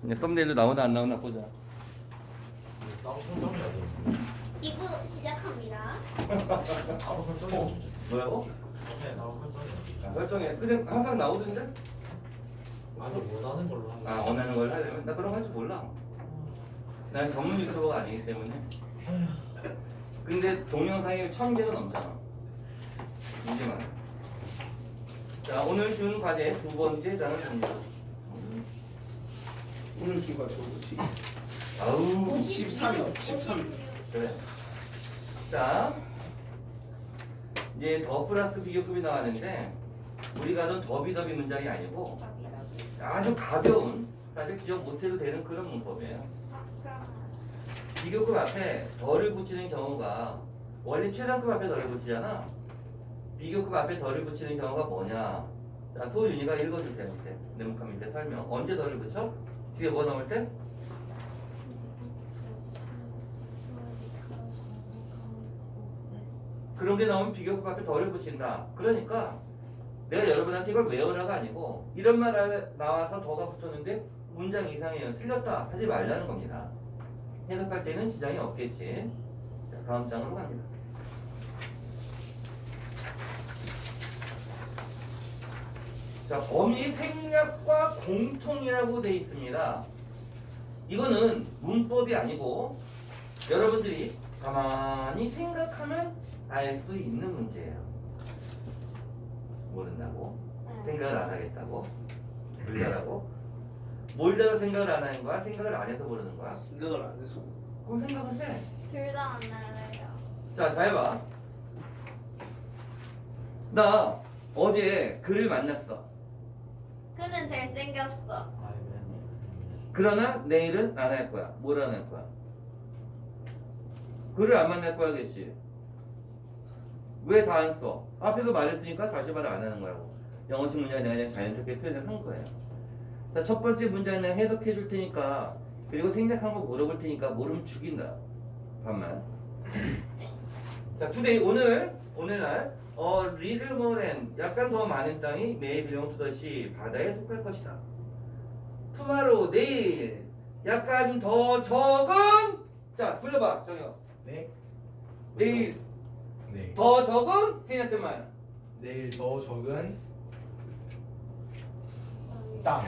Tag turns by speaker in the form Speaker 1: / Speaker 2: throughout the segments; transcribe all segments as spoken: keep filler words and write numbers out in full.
Speaker 1: 이제 썸네일로 나오나 안 나오나 보자.
Speaker 2: 따로 설정해야 돼.
Speaker 3: 이 부 시작합니다.
Speaker 2: 따로 설정해야 돼.
Speaker 1: 뭐라고?
Speaker 2: 네, 따로 설정해야 돼.
Speaker 1: 아, 설정해. 근데 항상 나오던데?
Speaker 2: 아니 원하는 걸로 하는
Speaker 1: 아, 원하는 걸 해야 되면 나 그런 거 할 줄 몰라. 난 전문 유튜버가 아니기 때문에. 근데 동영상이 천 개가 넘잖아. 이제만. 자, 오늘 준 과제 두 번째 장을 봅니다.
Speaker 4: 오늘 주가 저거지.
Speaker 1: 아우,
Speaker 4: 십삼 일, 십삼 일.
Speaker 1: 그래. 자, 이제 더 플러스 비교급이 나왔는데 우리가 하던 더비더비 문장이 아니고 아주 가벼운, 사실 기억 못해도 되는 그런 문법이에요. 비교급 앞에 덜을 붙이는 경우가 원래 최상급 앞에 덜을 붙이잖아. 비교급 앞에 덜을 붙이는 경우가 뭐냐? 자, 소윤이가 읽어주세요. 밑에 네모칸 밑에 설명. 언제 덜을 붙여? 뒤에 뭐 나올 때? 그런 게 나오면 비교급 앞에 덜을 붙인다. 그러니까 내가 여러분한테 이걸 외우라가 아니고 이런 말 나와서 더가 붙었는데 문장 이상해요. 틀렸다 하지 말라는 겁니다. 해석할 때는 지장이 없겠지. 자, 다음 장으로 갑니다. 자, 범위 생략과 공통이라고 되어 있습니다. 이거는 문법이 아니고 여러분들이 가만히 생각하면 알 수 있는 문제예요. 모른다고? 생각을 안 하겠다고? 불자라고? 몰라서 생각을 안 하는 거야? 생각을 안 해서 모르는 거야?
Speaker 4: 생각을 안 해서.
Speaker 1: 그럼 생각을 해.
Speaker 3: 둘 다 안 날래요.
Speaker 1: 자, 잘 봐. 나 어제 그를 만났어.
Speaker 3: 그는 잘생겼어.
Speaker 1: 그러나 내일은 안 할 거야. 뭘 안 할 거야? 그를 안 만날 거야겠지. 왜 다 안 써? 앞에서 말했으니까 다시 말을 안 하는 거라고. 영어식 문장에 내가 그냥 자연스럽게 표현을 한 거예요. 자, 첫 번째 문장은 해석해 줄 테니까, 그리고 생략한 거 물어볼 테니까 모르면 죽인다. 반만. 자, today 오늘 오늘날 어 리를 모렌 약간 더 많은 땅이 may belong to the sea 바다에 속할 것이다. tomorrow 내일 약간 더 적은 자 불러봐 저기요.
Speaker 4: 네.
Speaker 1: 내일
Speaker 4: 네.
Speaker 1: 더 적은 생략된 말.
Speaker 4: 내일 더 적은 땅.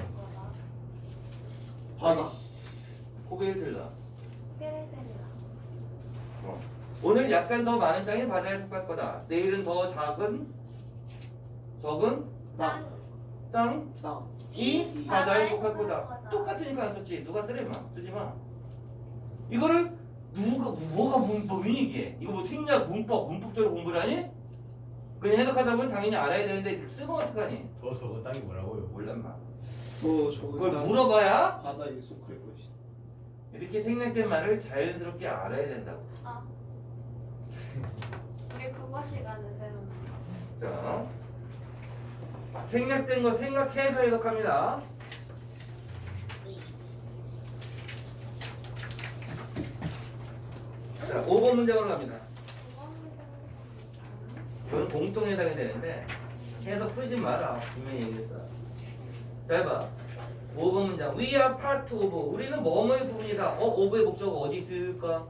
Speaker 4: 바다.
Speaker 1: 고개를 들라.
Speaker 3: 깨르들라.
Speaker 1: 어. 오늘 약간 더 많은 땅이 바다에 속할 거다. 내일은 더 작은 적은
Speaker 3: 땅.
Speaker 1: 땅
Speaker 4: 땅.
Speaker 1: 이 바다에 속할 거다. 똑같으니까 안 썼지. 누가 쓰래 마. 쓰지 마. 이거를 누가 뭐가 문법이니 이게? 이거 뭐 생략 문법 문법적으로 공부를 하니? 그냥 해석하다 보면 당연히 알아야 되는데 쓰면 어떡하니?
Speaker 4: 더 적은 땅이 뭐라고요?
Speaker 1: 몰란 마.
Speaker 4: 더 적은
Speaker 1: 그걸
Speaker 4: 땅.
Speaker 1: 물어봐야
Speaker 4: 바다에 속할 것이.
Speaker 1: 이렇게 생략된 말을 자연스럽게 알아야 된다고.
Speaker 3: 아. 우리 국어 시간에 배우는 거.
Speaker 1: 자, 생략된 거 생각해서 해석합니다. 자, 오 번 문장으로 갑니다.
Speaker 3: 국어 문제는
Speaker 1: 이거는 공통 해석이 되는데 해석 쓰지 마라. 분명히 얘기했다. 자, 해봐. 오 번 문장. We are part of. 우리는 뭐뭐의 부분이다. 어, of의 목적어 어디 있을까?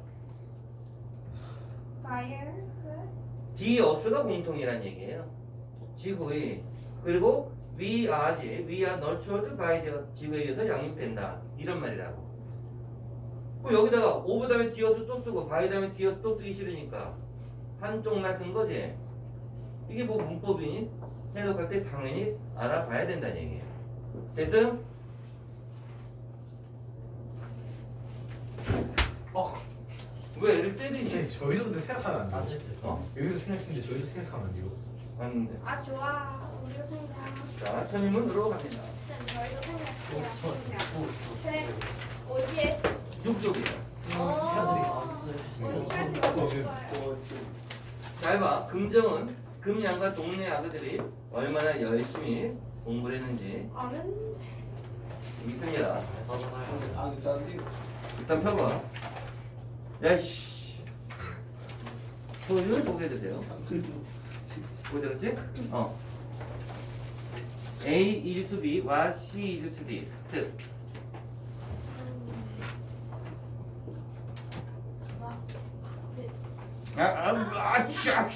Speaker 3: fire.
Speaker 1: the us가 공통이란 얘기예요. 지구의. 그리고 we are지. we are nurtured by the 지구에 의해서 양육된다. 이런 말이라고. 그럼 여기다가 of 다음에 the us 또 쓰고 by 다음에 the us 또 쓰기 싫으니까 한쪽만 쓴 거지. 이게 뭐 문법이니? 해석할 때 당연히 알아봐야 된다는 얘기예요. 됐음?
Speaker 4: 어.
Speaker 1: 왜 애를 때리니?
Speaker 4: 네, 저희도 근데 생각하면 안 돼요.
Speaker 2: 따질 때 써.
Speaker 1: 어?
Speaker 4: 여기도 생각했는데 저희도 생각하면 안 돼요.
Speaker 1: 맞는데.
Speaker 3: 아 좋아. 우리도 생각.
Speaker 1: 자, 천인문으로 갑니다.
Speaker 3: 일단 저희도 생각해요.
Speaker 2: 저,
Speaker 3: 백오십.
Speaker 1: 육 쪽이에요.
Speaker 3: 오. 오십까지 오셨어요.
Speaker 1: 잘 봐. 금정은 금양과 동네 아그들이 얼마나 열심히 공부를 했는지
Speaker 3: 아는.
Speaker 1: 믿습니다.
Speaker 2: 하잖아요.
Speaker 4: 아, 짠데.
Speaker 1: 일단 펴봐. 야이씨. 소유를 보게 되세요. 뭐 들었지? 어. A is to B, what she is to D. 뜻. 아, 아, 아, 씨.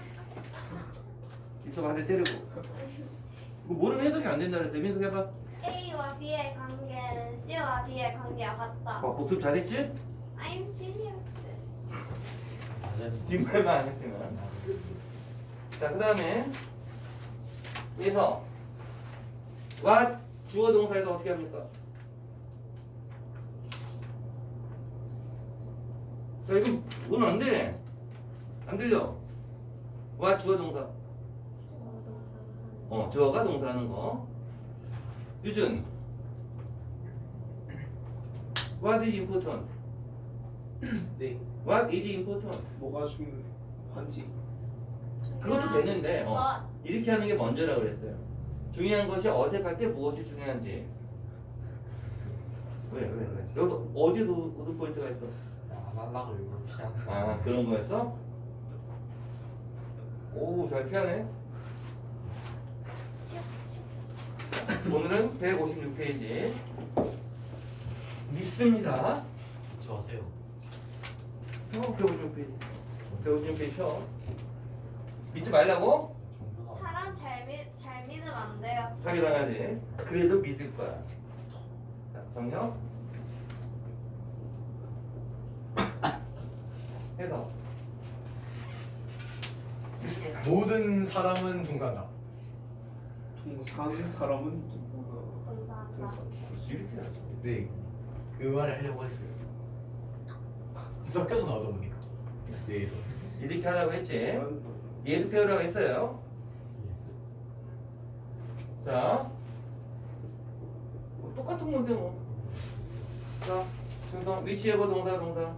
Speaker 1: 있어봐, 한대 때리고. 이거 모르면 해석이 안 된다 그랬어. 민석 해봐.
Speaker 3: A와 B의 관계는 C와 D의 관계와 같다.
Speaker 1: 어, 복습 잘했지?
Speaker 3: I'm genius.
Speaker 2: 맞아요.
Speaker 1: 뒷말만 안 했으면. 자, 그 다음에 여기서 what 주어 동사에서 어떻게 합니까? 자, 이거 오늘 안 돼. 안 들려. what 주어 동사. 어, 주어가 동사하는 거. 유준. What is important?
Speaker 4: 네.
Speaker 1: What is important?
Speaker 4: 뭐가 중요한지.
Speaker 1: 그것도 되는데 어,
Speaker 3: But
Speaker 1: 이렇게 하는 게 먼저라고 그랬어요. 중요한 것이 어색할 때 무엇이 중요한지. 왜, 왜, 왜? 여기 어디도 우드 포인트가 있어?
Speaker 2: 안 하려고 일부러 피하는 거.
Speaker 1: 아, 그런 거였어? 오, 잘 피하네. 오늘은 백오십육 페이지. 믿습니다.
Speaker 2: 좋아하세요.
Speaker 1: 어, 백오십육 페이지. 백오십육 페이지 쳐. 믿지 말라고?
Speaker 2: 종교가
Speaker 3: 사람 잘, 믿, 잘 믿으면 안 돼요.
Speaker 1: 사기당하지. 그래도 믿을 거야. 자, 정녕. 해서.
Speaker 4: 모든 사람은 동감다.
Speaker 5: 동사는 사람은 누구나
Speaker 3: 동사한다.
Speaker 1: 이렇게 해야지.
Speaker 4: 네. 그 말을 하려고 했어요. 섞여서 나오다 보니까. 여기서.
Speaker 1: 이렇게 하라고 했지. 얘도 배우라고 했어요.
Speaker 2: 예스.
Speaker 1: 자. 뭐 똑같은 건데 뭐. 자, 중성 위치해봐 동사 동사.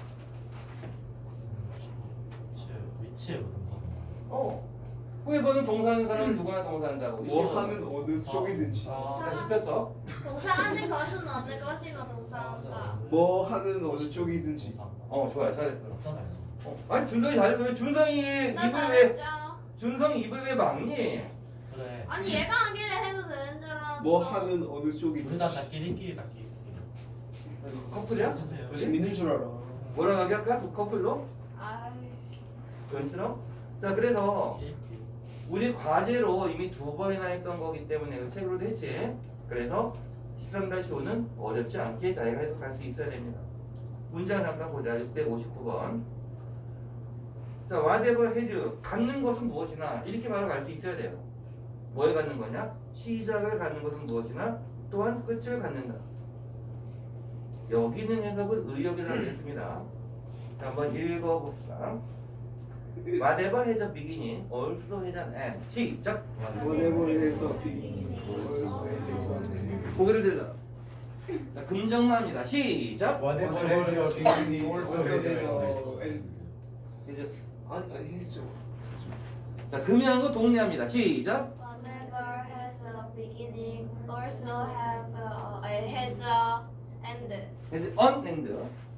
Speaker 2: 위치에 동사.
Speaker 1: 어. 후에보는 동사하는 사람은 누구나 동사한다고.
Speaker 5: 뭐 하는 어느 쪽이든지
Speaker 2: 아,
Speaker 1: 다 씹혔어.
Speaker 3: 동사하는 것은 어느 것이나 동사한다.
Speaker 5: 뭐 하는 어느 쪽이든지
Speaker 2: 동사.
Speaker 1: 어, 좋아요. 잘했어.
Speaker 2: 맞잖아요.
Speaker 1: 어. 아니 준성이 잘했어. 왜 준성이
Speaker 3: 나
Speaker 1: 입을 왜
Speaker 3: 잘했죠.
Speaker 1: 준성이 입을 왜 막니?
Speaker 2: 그래.
Speaker 3: 아니 얘가 하길래 해도 되는 줄 알았어.
Speaker 5: 뭐 하는 어느
Speaker 2: 우리 다
Speaker 5: 쪽이든지
Speaker 2: 짝끼리끼리 짝끼리.
Speaker 1: 커플이야?
Speaker 2: 괜찮아요.
Speaker 1: 둘이?
Speaker 5: 믿는 줄 알아.
Speaker 1: 뭐라 하게 할까? 두 커플로?
Speaker 3: 아이.
Speaker 1: 그런 싫어? 자, 그래서
Speaker 2: 끼리끼리.
Speaker 1: 우리 과제로 이미 두 번이나 했던 거기 때문에 그 책으로도 했지. 그래서 십삼 오는 어렵지 않게 자기가 해석할 수 있어야 됩니다. 문장 잠깐 보자. 육백오십구 번. 자, whatever has 갖는 것은 무엇이나 이렇게 바로 갈 수 있어야 돼요. 뭐에 갖는 거냐? 시작을 갖는 것은 무엇이나 또한 끝을 갖는다. 여기 있는 해석은 의역이라고 했습니다. 자, 한번 읽어봅시다. Whatever has a beginning also has an end. 시작.
Speaker 5: whatever에서 비
Speaker 1: 고개를 들라. 자, 금정마입니다. 시작.
Speaker 4: Whatever has your beginning also has your end.
Speaker 1: 이제
Speaker 5: 아니 아니 했죠.
Speaker 1: 자, 금이라는 거 동리합니다. 시작.
Speaker 3: Whatever has a beginning also has a, uh, has a end.
Speaker 1: 이제 on and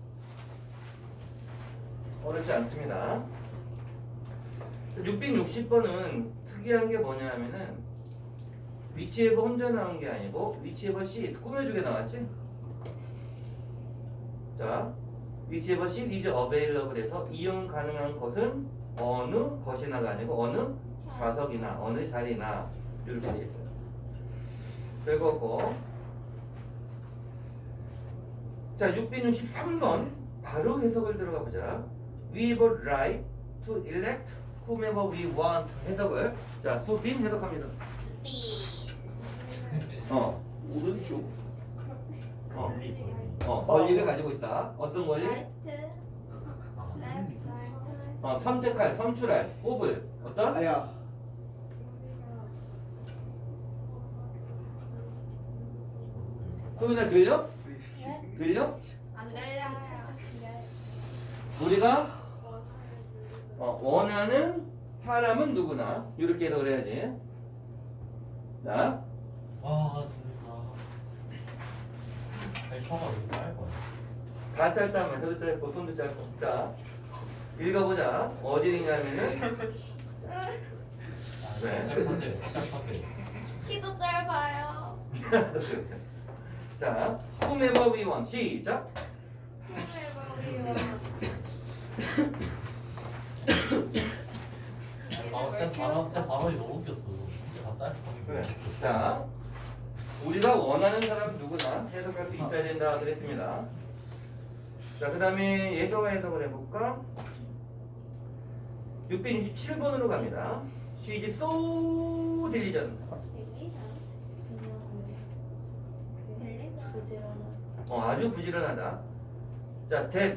Speaker 1: 어렵지 않습니다. 육백육십 번은 특이한 게 뭐냐 하면은 위치에버 혼자 나온 게 아니고 위치에버 C 꾸며주게 나왔지? 자, 위치에버 C is available 해서 이용 가능한 것은 어느 것이나가 아니고 어느 좌석이나 어느 자리나 이렇게 돼 있어요. 그리고 자, 육백육십삼 번 바로 해석을 들어가 보자. We have a right to elect whomever we want. 해석을 자, 수빈 해석합니다.
Speaker 3: B.
Speaker 1: 어,
Speaker 5: 오른쪽
Speaker 1: 어,
Speaker 2: 권리 권리.
Speaker 1: 어, 권리를 가지고 있다. 어떤 권리?
Speaker 3: Right. Left side.
Speaker 1: 어, 선택할, 선출할, 뽑을 어떤?
Speaker 5: 아야
Speaker 1: 소민아 들려? 들려?
Speaker 3: 안 들려요.
Speaker 1: 우리가 어, 원하는 사람은 누구나 이렇게 해석을 해야지. 자,
Speaker 2: 와 진짜. 아니 혀가 왜 짧아?
Speaker 1: 다 짧단 말이야. 혀도 짧고 손도 짧고. 자, 읽어보자. 어디 있냐면은 네.
Speaker 2: 시작하세요. 시작하세요.
Speaker 3: 키도 짧아요.
Speaker 1: 자, whomever we want. 시작.
Speaker 2: 아, 쌤 발언, 쌤 발언이 너무 웃겼어. 다 짧고.
Speaker 1: 그래. 자, 우리가 원하는 사람 누구나 해석할 수 있어야 된다 그랬습니다. 자, 그 다음에 예서와 해석을 해볼까? 육백육십칠 번으로 갑니다. She is so diligent. 어, 아주 부지런하다. 자, that.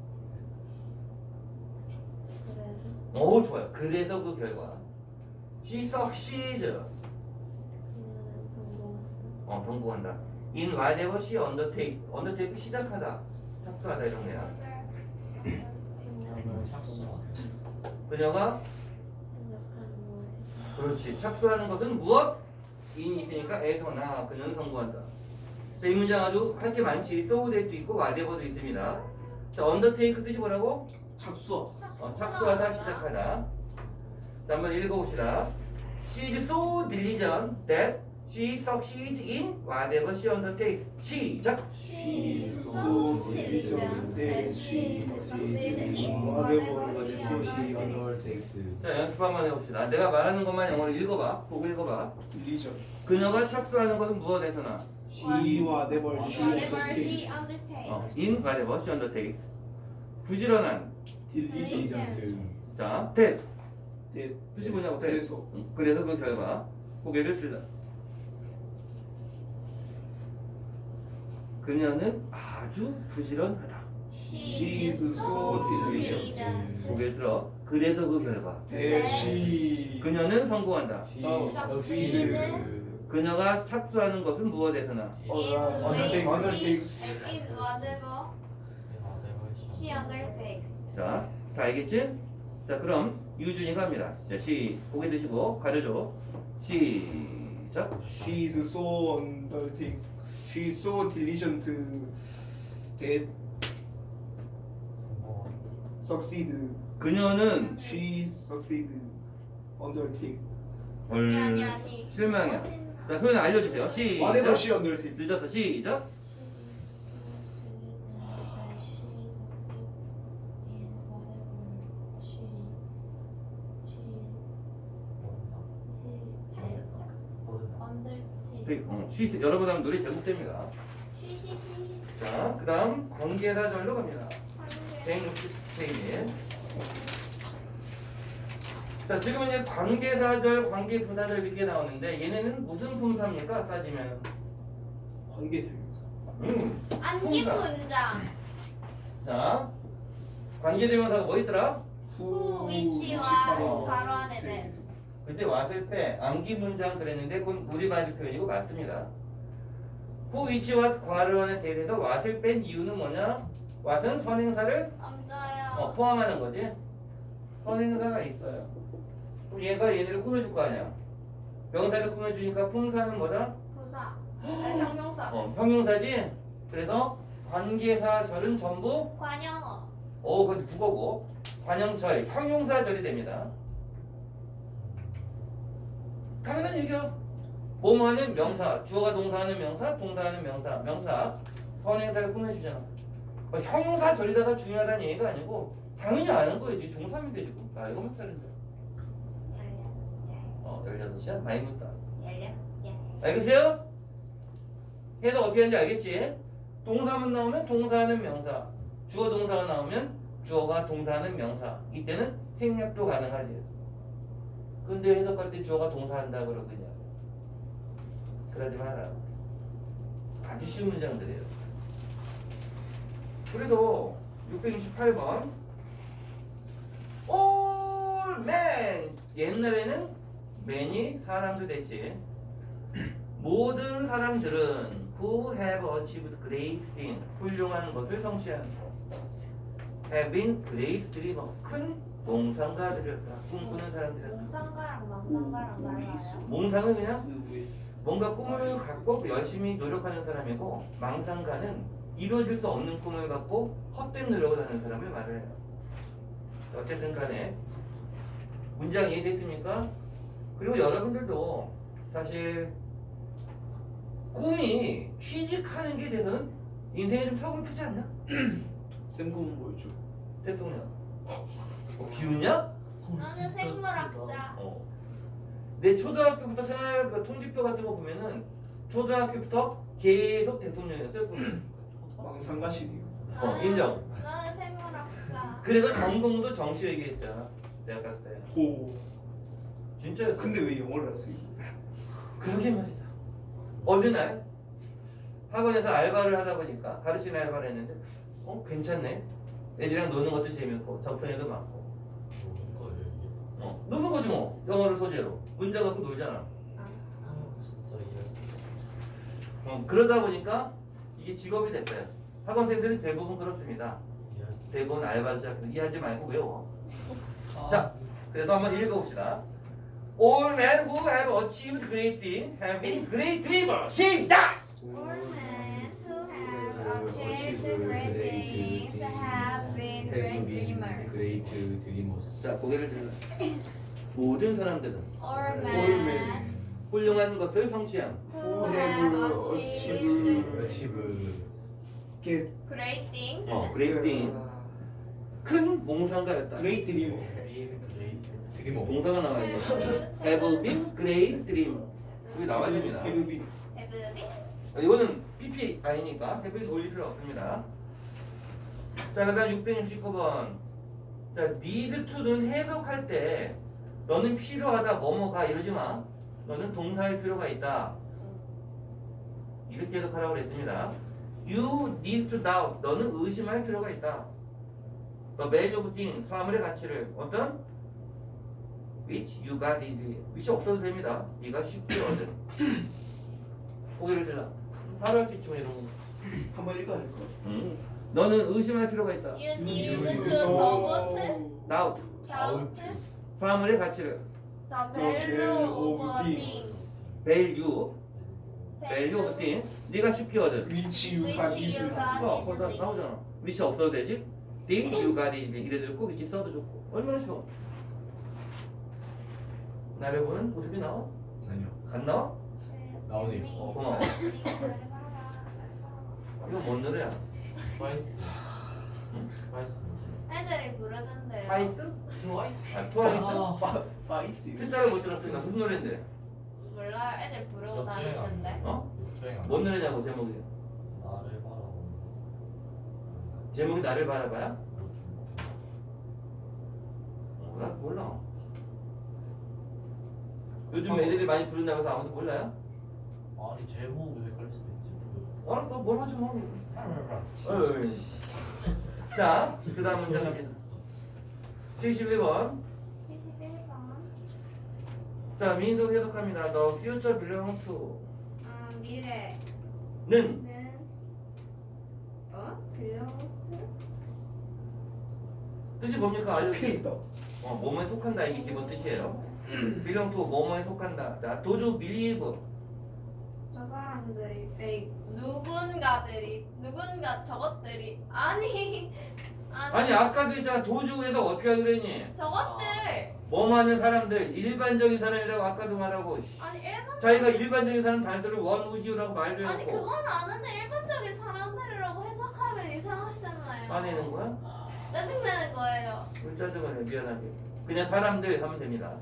Speaker 3: 그래서
Speaker 1: 오, 좋아요. 그래서 그 결과. She succeeds. 어, 성공한다. In whatever she undertakes. undertake 시작하다. 착수하다 이런 거야.
Speaker 2: 착수.
Speaker 1: 그녀가 그렇지. 착수하는 것은 무엇? 인이 있으니까 에서나 그녀는 성공한다. 자, 이 문장 아주 할 게 많지. so that도 있고 whatever도 있습니다. 자, undertake 뜻이 뭐라고?
Speaker 5: 착수.
Speaker 1: 어, 착수하다, 시작하다. 자, 한번 읽어봅시다. She is so diligent that she succeeds in whatever she undertakes. 시작.
Speaker 3: She is so diligent that she succeeds in whatever she undertakes.
Speaker 1: 자, 연습 한번 해봅시다. 내가 말하는 것만 영어로 읽어봐. 보고 읽어봐.
Speaker 5: 딜리전.
Speaker 1: 그녀가 착수하는 것은 무엇에서나?
Speaker 5: She와 never she
Speaker 3: Whatever she
Speaker 5: undertakes.
Speaker 3: undertakes.
Speaker 1: 어, in whatever she undertakes. 부지런한.
Speaker 5: 딜리전.
Speaker 1: 자, that.
Speaker 5: 네.
Speaker 1: 뜻이 뭐냐고? that.
Speaker 5: 그래서.
Speaker 1: 응, 그래서 그 결과. 고개를 들다. 그녀는 아주 부지런하다.
Speaker 3: She is so diligent.
Speaker 1: 고개를 들어. 그래서 그 결과.
Speaker 5: 대시.
Speaker 1: 그녀는 성공한다.
Speaker 3: succeeded
Speaker 1: 그녀가 착수하는 것은 무엇에서나?
Speaker 3: in
Speaker 5: undertakes.
Speaker 3: which in whatever she undertakes.
Speaker 1: 자, 다 알겠지? 자, 그럼 유준이가 합니다. 자, 시 고개 드시고 가려줘. 시작.
Speaker 5: She is so undertake. She is so diligent that succeed.
Speaker 1: 그녀는
Speaker 5: She succeed undertake.
Speaker 3: 아니 아니
Speaker 1: 얼
Speaker 3: 아니.
Speaker 1: 실망이야. 자, 표현 알려주세요.
Speaker 5: Whatever
Speaker 1: 시작.
Speaker 5: she undertakes.
Speaker 1: 늦었어. 시작.
Speaker 3: 착수 착수. undertake.
Speaker 1: 그, 어, 시 여러분 하면 노래 제목됩니다.
Speaker 3: 쉬쉬쉬.
Speaker 1: 자, 그 다음 관계다절로 갑니다. 백육십 페이지. 자, 지금 이제 관계다절, 관계부다절 이렇게 나오는데 얘네는 무슨 품사입니까? 따지면
Speaker 5: 관계대명사.
Speaker 1: 음.
Speaker 3: 안긴
Speaker 1: 품사.
Speaker 3: 문장.
Speaker 1: 자, 관계대명사가 뭐 있더라?
Speaker 3: 후 위치와
Speaker 1: 어.
Speaker 3: 바로 안에 된.
Speaker 1: 그때 왔을 때 암기 문장 그랬는데 그건 우리말 표현이고 맞습니다. 후 위치와 괄호안에 대해서 왔을 뺀 이유는 뭐냐? 왔은 선행사를
Speaker 3: 없어요.
Speaker 1: 어, 포함하는 거지. 선행사가 있어요. 그럼 얘가 얘네를 꾸며줄 거 아니야. 명사를 꾸며주니까 품사는 뭐다?
Speaker 3: 부사. 아니, 형용사.
Speaker 1: 어, 형용사지. 그래서 관계사절은 전부
Speaker 3: 관형어.
Speaker 1: 어, 그건 국어고 관형절, 형용사절이 됩니다. 당연한 얘기야. 뭐뭐 하는 명사, 주어가 동사하는 명사, 동사하는 명사, 명사, 선행사를 꾸며주잖아. 어, 형용사절이다가 중요하다는 얘기가 아니고 당연히 아는 거예요. 지금 중삼인데 지금. 아, 이거만 따른다. 어, 열여덟 시야? 많이 묻다. 알겠어요? 해서 어떻게 하는지 알겠지? 동사만 나오면 동사하는 명사, 주어 동사가 나오면 주어가 동사하는 명사. 이때는 생략도 가능하지. 근데 해석할 때 주어가 동사한다 그러거든요. 그러지 마라. 아주 쉬운 문장들이에요. 그래도 육백육십팔 번 All men. 옛날에는 man이 사람도 됐지. 모든 사람들은 who have achieved great things, 훌륭한 것을 성취한 have been great dreamers, 큰 몽상가들이었다. 꿈꾸는 사람들이었다.
Speaker 3: 몽상가랑 망상가랑 달라요.
Speaker 1: 몽상은 그냥 뭔가 꿈을 갖고 열심히 노력하는 사람이고, 망상가는 이루어질 수 없는 꿈을 갖고 헛된 노력을 하는 사람을 말을 해요. 어쨌든 간에 문장 이해됐습니까? 그리고 여러분들도 사실 꿈이 취직하는 게 돼서는 인생에 좀 서글프지 않냐?
Speaker 5: 쌤 꿈은 뭐였죠?
Speaker 1: 대통령. 어, 비웃냐?
Speaker 3: 나는 생물학자.
Speaker 1: 어. 내 초등학교부터 생활 그 통지표 같은 거 보면은 초등학교부터 계속 대통령이었어요. 보면.
Speaker 5: 망상가시네요.
Speaker 1: 어,
Speaker 3: 나는-
Speaker 1: 인정.
Speaker 3: 나는 생물학자.
Speaker 1: 그래서 전공도 정시 얘기했잖아. 내가 봤을 때.
Speaker 5: 오.
Speaker 1: 진짜였어.
Speaker 5: 근데 왜 영어를 했어요?
Speaker 1: 그러게 말이다. 어느 날 학원에서 알바를 하다 보니까 가르치는 알바를 했는데 어 괜찮네. 애들이랑 노는 것도 재밌고 적성에도 많고
Speaker 2: 노는 거예요 이게.
Speaker 1: 어, 노는 거지 뭐. 영어를 소재로 문제 갖고 놀잖아.
Speaker 2: 아 진짜 이럴 수 있어.
Speaker 1: 어, 그러다 보니까 이게 직업이 됐어요. 학원생들이 대부분 그렇습니다.
Speaker 2: 이해할 수 있어.
Speaker 1: 대부분 알바를 시작해서 이해하지 말고 외워.
Speaker 2: 아,
Speaker 1: 자, 그래서 한번 읽어봅시다. All men who have achieved great things have been great dreamers. 시작!
Speaker 3: All men who have achieved great things have been great dreamers.
Speaker 4: 그레이트 드리머스.
Speaker 1: 자, 고개를 들라. 모든 사람들은
Speaker 3: All
Speaker 5: men
Speaker 3: men
Speaker 1: 훌륭한 것을 성취한
Speaker 3: who
Speaker 5: have
Speaker 3: have achieved
Speaker 4: 어치브.
Speaker 5: Get
Speaker 3: great things
Speaker 1: 어, great things. 큰 몽상가였다.
Speaker 5: 그레이트 드리머.
Speaker 2: 그레이트.
Speaker 4: 드리머.
Speaker 1: 동사가 나와 있는 거. Have been great dreamer. 여기 나와야 됩니다.
Speaker 5: 헤브비.
Speaker 3: have been
Speaker 1: 이거는 피피 아니니까 have been 올릴 필요 없습니다. 자, 그다음 육백육십구 번. 자, need to는 해석할 때 너는 필요하다 뭐뭐가 이러지 마. 너는 동사일 필요가 있다. 이렇게 해석하라고 그랬습니다. You need to doubt. 너는 의심할 필요가 있다. The value of thing, 사물의 가치를 어떤? Which you got it. which 없어도 됩니다. 네가 쉽게 얻은. 고개를 들라. 바로 할 수 있지 뭐 이런 거.
Speaker 5: 한번 읽어야 할 거.
Speaker 1: 응. 너는 의심할 필요가 있다.
Speaker 3: you need
Speaker 5: 음.
Speaker 3: to doubt
Speaker 1: Doubt.
Speaker 3: doubt
Speaker 1: 사물의 가치를.
Speaker 3: the value of things
Speaker 1: Value. Value of thing. 네가 쉽게 얻은.
Speaker 5: 위치
Speaker 3: Which
Speaker 5: 유한
Speaker 3: you
Speaker 5: 이슬.
Speaker 3: got
Speaker 1: 어, 거기다
Speaker 3: easily.
Speaker 1: 나오잖아. 위치 없어도 되지? Thing you got it. 이래도 좋고 위치 써도 좋고. 얼마나 쉬워. 나를 보는 모습이 나와?
Speaker 4: 아니요.
Speaker 1: 안 나와?
Speaker 4: 나오네요.
Speaker 1: 어, 고마워. 이거 뭔 노래야?
Speaker 2: 트와이스. 트와이스.
Speaker 3: 애들이 부르던데요.
Speaker 1: 파이스?
Speaker 2: 트와이스.
Speaker 1: 아, 트와이스?
Speaker 2: 아,
Speaker 5: 파이스.
Speaker 1: 글자를 못 들었으니까 무슨 노래인데?
Speaker 3: 몰라요. 애들 부르고
Speaker 2: 역주행
Speaker 3: 다니는데.
Speaker 1: 어?
Speaker 2: 육주행 안
Speaker 1: 뭔 노래냐고 제목이?
Speaker 2: 나를 바라보는
Speaker 1: 제목이 나를 바라봐야?
Speaker 2: 거.
Speaker 1: 몰라? 몰라. 요즘 애들이 많이 부른다고 해서 아무도 몰라요?
Speaker 2: 아니 제목이 헷갈릴 수도 있지. 그-
Speaker 1: 알았어, 뭘 하지 뭐.
Speaker 2: 아,
Speaker 1: 어이. 자, 그 다음 문장 갑니다. 칠십일 번.
Speaker 3: 칠십일 번.
Speaker 1: 자, 민속 해석합니다. The future belongs to
Speaker 3: 아, 미래.
Speaker 1: 는
Speaker 3: 는 어? belongs to?
Speaker 1: 뜻이 뭡니까? 알려주세요.
Speaker 5: 오케이 있다.
Speaker 1: 어, 뭐뭐에 속한다 이게 기본 뜻이에요. belong to 뭐뭐에 속한다. 자, 도주 believe
Speaker 3: 저 사람들이 에이, 누군가들이 누군가 저것들이 아니 아니,
Speaker 1: 아니 아까도 있잖아. 도주에서 어떻게 하기로 했니?
Speaker 3: 저것들
Speaker 1: 뭐뭐 하는 사람들 일반적인 사람이라고 아까도 말하고 씨.
Speaker 3: 아니 일반
Speaker 1: 자기가 일반적인 사람 단서를 원우시우라고 말도
Speaker 3: 아니
Speaker 1: 해놓고
Speaker 3: 그건 아는데 일반적인 사람들이라고 해석하면 이상하잖아요.
Speaker 1: 화내는 거야?
Speaker 3: 짜증나는 거예요.
Speaker 1: 왜 짜증을 내 미안하게 그냥 사람들 하면 됩니다.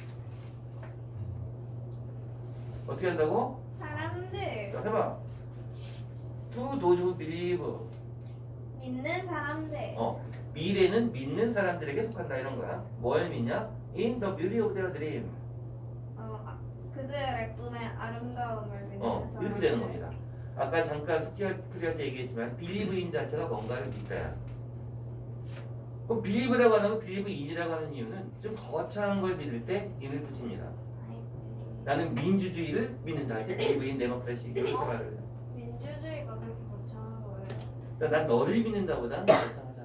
Speaker 1: 어떻게 한다고?
Speaker 3: 사람들
Speaker 1: 자 해봐. to 도주 believe
Speaker 3: 믿는 사람들
Speaker 1: 어 미래는 믿는 사람들에게 속한다 이런 거야. 뭘 믿냐? In the beauty of their dream.
Speaker 3: 어 아, 그들의 꿈의 아름다움을 믿는
Speaker 1: 어
Speaker 3: 사람들.
Speaker 1: 이렇게 되는 겁니다. 아까 잠깐 숙제 풀이할 때 얘기했지만 believe인 자체가 뭔가를 믿다야. 그럼 believe라고 하는 거 believe in이라고 하는 이유는 좀 거창한 걸 믿을 때 in을 붙입니다. 나는 민주주의를 믿는다 할 때 believe in democracy 이렇게 말을 해요.
Speaker 3: 민주주의가 그렇게 거창한 거예요.
Speaker 1: 그러니까 난 너를 믿는다보다는 거창하잖아.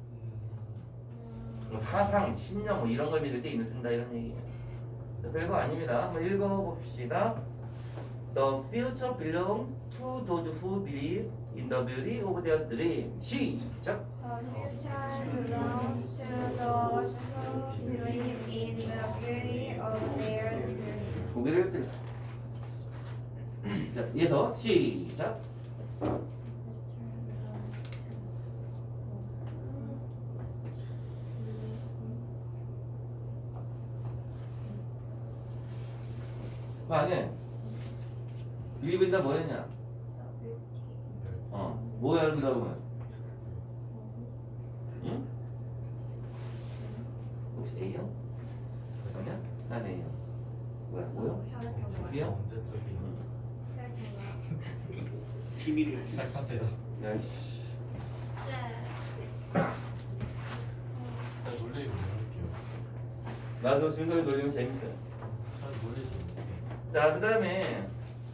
Speaker 3: 음,
Speaker 1: 뭐 사상, 신념 뭐 이런 걸 믿을 때 인을 쓴다 이런 얘기예요. 별거 아닙니다. 한번 읽어봅시다. The future belongs to those who believe in the beauty of their dream. 시작.
Speaker 3: The future belongs to those who believe in the beauty of their dreams.
Speaker 1: 고개를 들자. 자, 이어서 시작. 만약에 리브다 뭐였냐? 어, 뭐 한다고? 응? 혹시 A형? 아니야? 난 A형. 뭐야? 뭐야? B형?
Speaker 2: 언제적인
Speaker 5: 비밀이야.
Speaker 2: 시작하세요.
Speaker 1: 야, 씨.
Speaker 2: 제가 놀래고 놀릴게요.
Speaker 1: 나도 준서를 놀리면 재밌어.
Speaker 2: 잘 놀리죠.
Speaker 1: 자, 그 다음에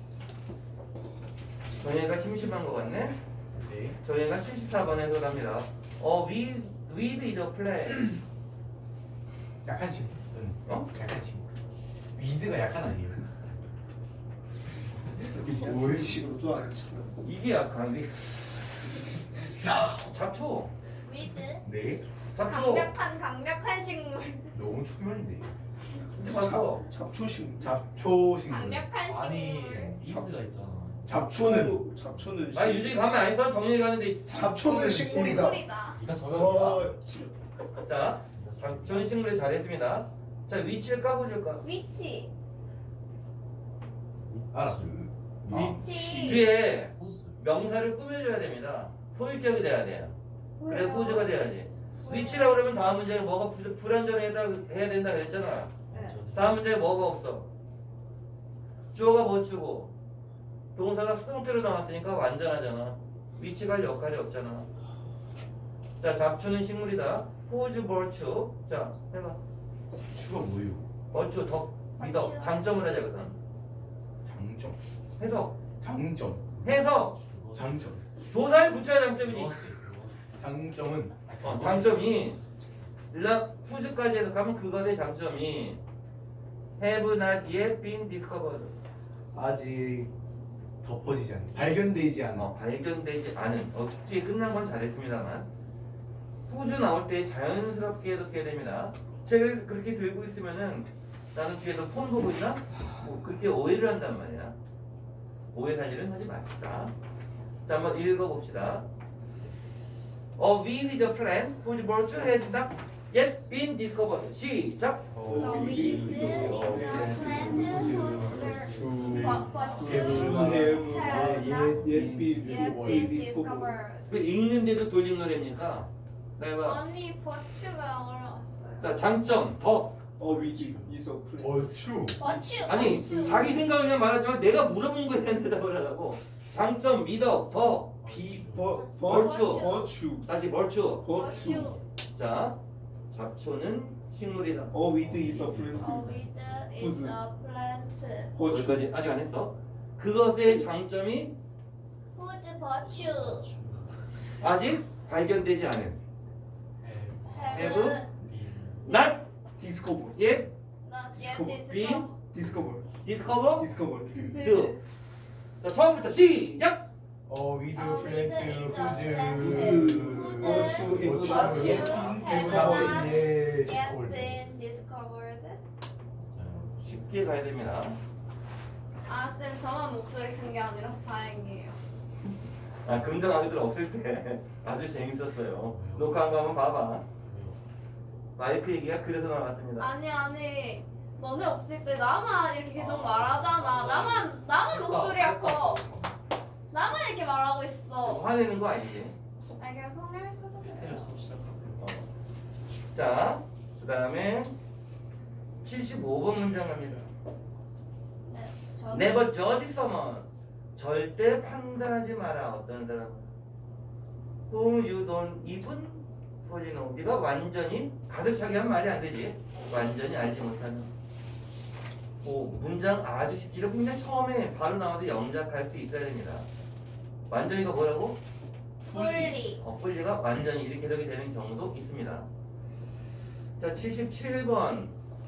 Speaker 1: 정혜가 심심한 것 같네?
Speaker 2: 네.
Speaker 1: 정혜가 칠십사 번에서 갑니다. 어, with, with is a plan.
Speaker 6: 약한 친구. 응.
Speaker 1: 어?
Speaker 6: 약한 친구. 위드가 약한 아니에요.
Speaker 5: 뭐야? 식으로도 안 쳐.
Speaker 1: 이게 약간, 위 잡초.
Speaker 3: 위드
Speaker 6: 네.
Speaker 1: 잡초.
Speaker 3: 강력한 강력한 식물.
Speaker 6: 너무 초면인데.
Speaker 1: 잡초.
Speaker 5: 잡초식.
Speaker 6: 잡초 식물.
Speaker 3: 강력한
Speaker 2: 아니
Speaker 3: 식물.
Speaker 2: 이스가 있잖아.
Speaker 6: 잡초는
Speaker 5: 잡초는
Speaker 1: 아, 유진이 가면 안 있어? 정혜이 가는데.
Speaker 5: 잡초는 식물이다.
Speaker 3: 식물이다.
Speaker 2: 이가
Speaker 5: 어,
Speaker 2: 저격이야.
Speaker 1: 자, 잡초는 식물이 잘했습니다. 자, 위치를 까보실까?
Speaker 3: 위치.
Speaker 6: 알았어요.
Speaker 3: 위치.
Speaker 1: 뒤에
Speaker 2: 호스.
Speaker 1: 명사를 꾸며줘야 됩니다. 소유격이 돼야 돼요. 그래
Speaker 3: 왜요?
Speaker 1: 후주가 돼야지. 위치라고 그러면 다음 문제에 뭐가 불- 불완전해야 해야 된다 그랬잖아. 다음 문제에 뭐가 없어. 주어가 뭐 주고 동사가 수동태로 나왔으니까 완전하잖아. 위치가 할 역할이 없잖아. 자, 잡초는 식물이다. Whose virtue? 자, 해봐.
Speaker 6: 추가 뭐예요?
Speaker 1: virtue 더 믿어.
Speaker 3: virtue.
Speaker 1: 장점을 하자 그선.
Speaker 6: 장점.
Speaker 1: 해석.
Speaker 6: 장점.
Speaker 1: 해석.
Speaker 6: 장점.
Speaker 1: 조사에 붙여야 장점이지.
Speaker 6: 장점은
Speaker 1: 어, 장점이 일라 후즈까지 해석하면 그것의 장점이 have not yet been discovered.
Speaker 6: 아직 덮어지지 않는, 발견되지 않은.
Speaker 1: 어, 발견되지 않은. 어, 뒤에 끝난 건 잘했습니다만 후즈 나올 때 자연스럽게 해석해야 됩니다. 책을 그렇게 들고 있으면은 나는 뒤에서 폰 보고 있나? 뭐 그렇게 오해를 한단 말이야. 오해 사실은 하지 맙시다. 자, 한번 읽어봅시다. A with the plan whose virtue has not yet been discovered. 시작.
Speaker 3: The weed is a plant whose but but you have not
Speaker 5: yet been
Speaker 3: yet been discovered.
Speaker 1: 왜 읽는데도 돌림 노래입니까? 네, 봐.
Speaker 3: 언니 버추가 어려웠어요.
Speaker 1: 자, 장점 더.
Speaker 5: 어 위기 있어.
Speaker 6: 벌추.
Speaker 3: 버추.
Speaker 1: 아니
Speaker 3: 버추.
Speaker 1: 자기 생각을 그냥 말하지만 내가 물어본 거에 대한 대답을 하라고. 장점 미덕 더.
Speaker 5: 비버
Speaker 1: 벌추.
Speaker 5: 버추.
Speaker 1: 다시 벌추.
Speaker 5: 버추.
Speaker 3: 버추.
Speaker 1: 자, 잡초는 식물이다.
Speaker 5: 어 위드 있어
Speaker 3: A
Speaker 5: 플랜트.
Speaker 3: weed is a plant
Speaker 5: 버추.
Speaker 1: 여기까지 아직 안 했어. 그것의 장점이
Speaker 3: whose virtue
Speaker 1: 아직 발견되지 않은.
Speaker 3: have
Speaker 1: have not
Speaker 5: 디스커버.
Speaker 1: yet
Speaker 3: not yet
Speaker 1: been
Speaker 3: discovered.
Speaker 5: 디스커버.
Speaker 1: discovered.
Speaker 5: 디스커버.
Speaker 1: do. 자, 처음부터 시작.
Speaker 6: 어 위드
Speaker 3: 어,
Speaker 6: 플랜트
Speaker 3: with is a
Speaker 6: 후즈.
Speaker 3: plant
Speaker 5: whose
Speaker 3: whose
Speaker 5: virtue is
Speaker 6: not
Speaker 3: virtue
Speaker 6: yet
Speaker 3: has
Speaker 6: been
Speaker 3: not
Speaker 6: discovered.
Speaker 3: yet been discovered.
Speaker 1: 쉽게 가야 됩니다.
Speaker 3: 아, 쌤, 저만 목소리 큰 게 아니라 다행이에요.
Speaker 1: 아, 금전 아기들 없을 때 아주 재밌었어요. 녹화한 거 한번 봐봐. 마이크 얘기가 그래서 나왔습니다.
Speaker 3: 아니, 아니, 너네 없을 때 나만 이렇게 계속 말하잖아. 나만, 나만 목소리가 커. 나만 이렇게 말하고 있어.
Speaker 1: 화내는 거 아니지?
Speaker 3: 아니, 그냥 성령이 커서
Speaker 2: 네,
Speaker 3: 그래요.
Speaker 2: 수업 시작하세요.
Speaker 1: 어. 자, 그 다음에 칠십오 번 문장 갑니다.
Speaker 3: 네, 저는
Speaker 1: Never judge someone. 절대 판단하지 마라. 어떤 사람 whom you don't even fully know. 네가 완전히 가득 차게 하면 말이 안 되지. 완전히 알지 못하는. 오, 문장 아주 쉽지를 그냥 처음에 바로 나와도 영작할 수 있어야 됩니다. 완전히가 뭐라고?
Speaker 3: fully.
Speaker 1: 어, fully가 완전히 이렇게 해석이 되는 경우도 있습니다. 자, 칠십칠 번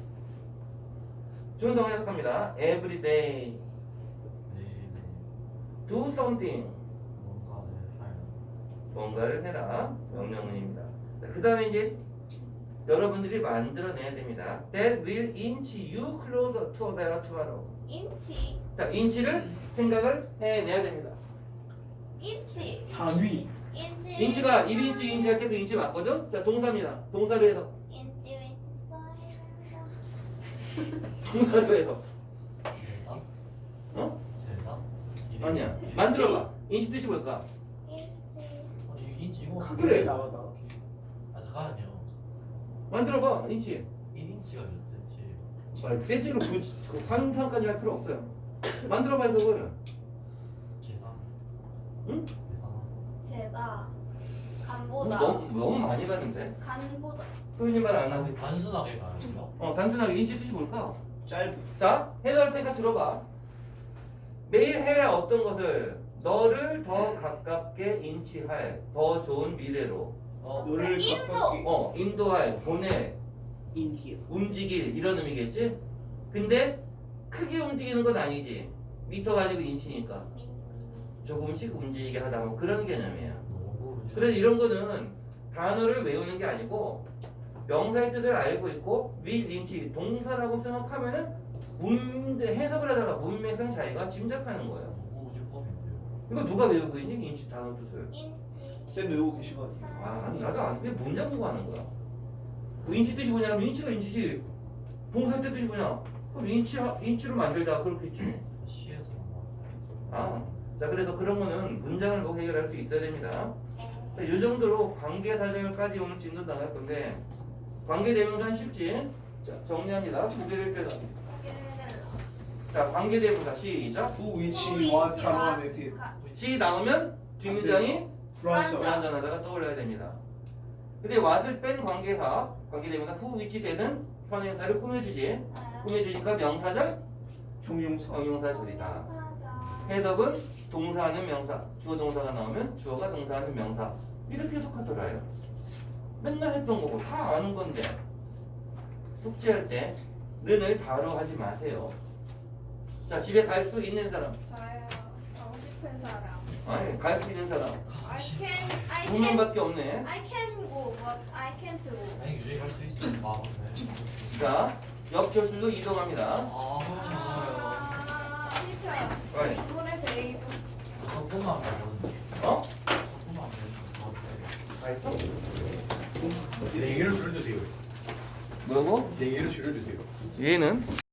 Speaker 1: 준성 해석합니다. Every day
Speaker 2: 네, 네.
Speaker 1: do something.
Speaker 2: 뭔가를 할.
Speaker 1: 뭔가를 해라. 명령문입니다. 그 다음에 이제 여러분들이 만들어내야 됩니다. That will inch you closer to a better tomorrow.
Speaker 3: 인치.
Speaker 1: 자, 인치를 생각을 해내야 됩니다.
Speaker 3: 인치.
Speaker 5: 단위.
Speaker 3: 인치.
Speaker 1: 인치가 일 인치 인치 할 때 그 인치 맞거든? 자, 동사입니다. 동사로 해서.
Speaker 3: 인치, 인치, 스파이럴.
Speaker 1: 동사로 해서.
Speaker 2: 아?
Speaker 1: 어?
Speaker 2: 제다? 이름?
Speaker 1: 아니야. 만들어봐. 인치 뜻이 뭘까?
Speaker 3: 인치.
Speaker 2: 어, 이거 인치 이거
Speaker 5: 가격이 나가다.
Speaker 2: 아 잠깐만요.
Speaker 1: 만들어봐. 인치.
Speaker 2: 일 인치가 몇 센치예요?
Speaker 1: 아, 센치로 그, 그 환상까지 할 필요 없어요. 만들어봐 그거를.
Speaker 2: 계산.
Speaker 1: 응?
Speaker 2: 계산.
Speaker 3: 제다. 간보다.
Speaker 1: 너무 너무 많이 가는데.
Speaker 3: 간보다.
Speaker 1: 소윤이 말 안 하고.
Speaker 2: 단순하게 가요.
Speaker 1: 어 단순하게 인치 뜻이 뭘까?
Speaker 5: 짧.
Speaker 1: 자 해석할 테니까 들어봐. 매일 해라 어떤 것을 너를 더 가깝게 인치할 더 좋은 미래로
Speaker 2: 어,
Speaker 5: 너를
Speaker 3: 인도!
Speaker 5: 가깝게
Speaker 1: 어 인도할 보낼
Speaker 5: 인디어.
Speaker 1: 움직일 이런 의미겠지? 근데 크게 움직이는 건 아니지. 미터가 아니고 인치니까 조금씩 움직이게 하다 뭐 그런 개념이에요.
Speaker 2: 너무
Speaker 1: 그래서 이런 거는 단어를 외우는 게 아니고 명사의 뜻을 알고 있고 위 인치 동사라고 생각하면은 문 해석을 하다가 문맥상 자기가 짐작하는 거예요.
Speaker 2: 너무 율법인데요.
Speaker 1: 이거 누가 외우고 있니? 인치 단어 뜻을.
Speaker 3: 인치.
Speaker 5: 쌤 외우고 계시거든요.
Speaker 1: 아 나도 안 돼. 문장 공부하는 거야. 그 인치 뜻이 뭐냐면 인치가 인치지. 동사 뜻이 뭐냐? 그럼 인치 인치로 만들다 그렇겠지.
Speaker 2: 시에서만
Speaker 1: 아, 자 그래서 그런 거는 문장을 보고 해결할 수 있어야 됩니다. 자, 이 정도로 관계사절까지 오늘 진도 나갈 건데 관계대명사는 쉽지. 자 정리합니다. 두 개를 빼서. 자 관계대명사 시작.
Speaker 5: Who, which,
Speaker 3: Who,
Speaker 5: what,
Speaker 3: which,
Speaker 5: 가로안,
Speaker 3: what.
Speaker 5: 에티.
Speaker 1: 시 나오면 뒷문장이
Speaker 5: 불안정.
Speaker 1: 불완전하다가 떠올려야 됩니다. 근데 what을 뺀 관계사, 관계대명사 who, which 되는 현행사를 꾸며주지. 꾸며주니까 명사절,
Speaker 5: 형용사.
Speaker 1: 형용사절이다. 해석은 동사하는 명사, 주어 동사가 나오면 주어가 동사하는 명사 이렇게 해석하더라요. 맨날 했던 거고 다 아는 건데 숙제할 때 는을 바로 하지 마세요. 자 집에 갈 수 있는 사람,
Speaker 3: 저요. 가고 싶은 사람.
Speaker 1: 아니 갈 수 있는 사람
Speaker 3: I can. I
Speaker 1: 두
Speaker 3: can.
Speaker 1: 명밖에 없네.
Speaker 3: I can go, but I can't go.
Speaker 2: 아니 유지 갈수 있어. 아 맞네.
Speaker 1: 자 옆교실로 이동합니다.
Speaker 2: 아 그렇지 않아요.
Speaker 3: 아, 티처.
Speaker 1: 왜?
Speaker 3: 이번에 베이브.
Speaker 2: 조금만 하면 되거든요.
Speaker 1: 어?
Speaker 2: 조금만 하면 돼.
Speaker 1: 가 있어?
Speaker 6: 네 개를 줄여주세요.
Speaker 1: 뭐라고?
Speaker 6: 네 개를 줄여주세요.
Speaker 1: 얘는